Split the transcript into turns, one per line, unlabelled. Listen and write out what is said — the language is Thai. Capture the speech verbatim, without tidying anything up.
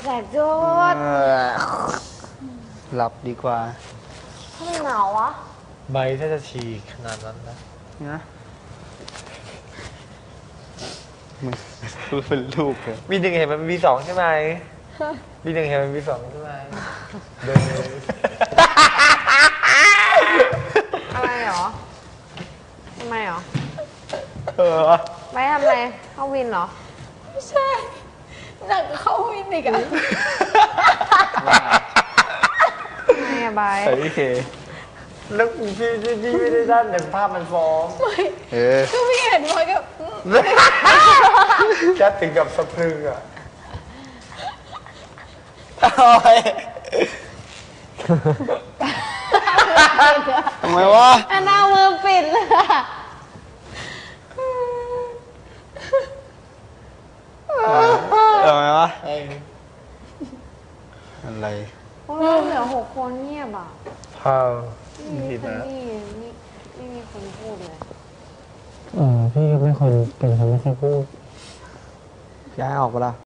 สบจุด
หลับดีกว่า
ทำไมหนาววะ
ใบถ้าจะฉีกขนาดนั้นนะ
นะมึงพูดเป็นลูกเลย
วีหนึ่งเห็นมันวีสองใช่ไหมวีหนึ่งเห็นมันวีสองใช่ไหมเดินเลย
อะไรหรอทำไมหรอ
เออ
ไปทำอะไรเข้าวินเหรอ
ไม่ใช่หนักเข้าวินอีกอะ
ทำไมอะบาย
ใส่พี่เค
แล้วพี่พี่พี่ไม่ได้ด้านแต่ภาพมันฟ้อง
ไม่
เออ
คือพี่เห็นพลอยก็
จะถึงกับสะพรึงอ่ะ
ทำไมวะ
อันเอามือปิดเลยอะ
ทำไมวะ อะไร
โอ้ยเหลือหกคนเงียบอ่ะ
พาว
ไม่มีคนนี่นี่ไม่มีคนพูดเลย
เออพี่ก็ไม่คนเป็นคนไม่ค่อยพูด
ย้ายออกไปละ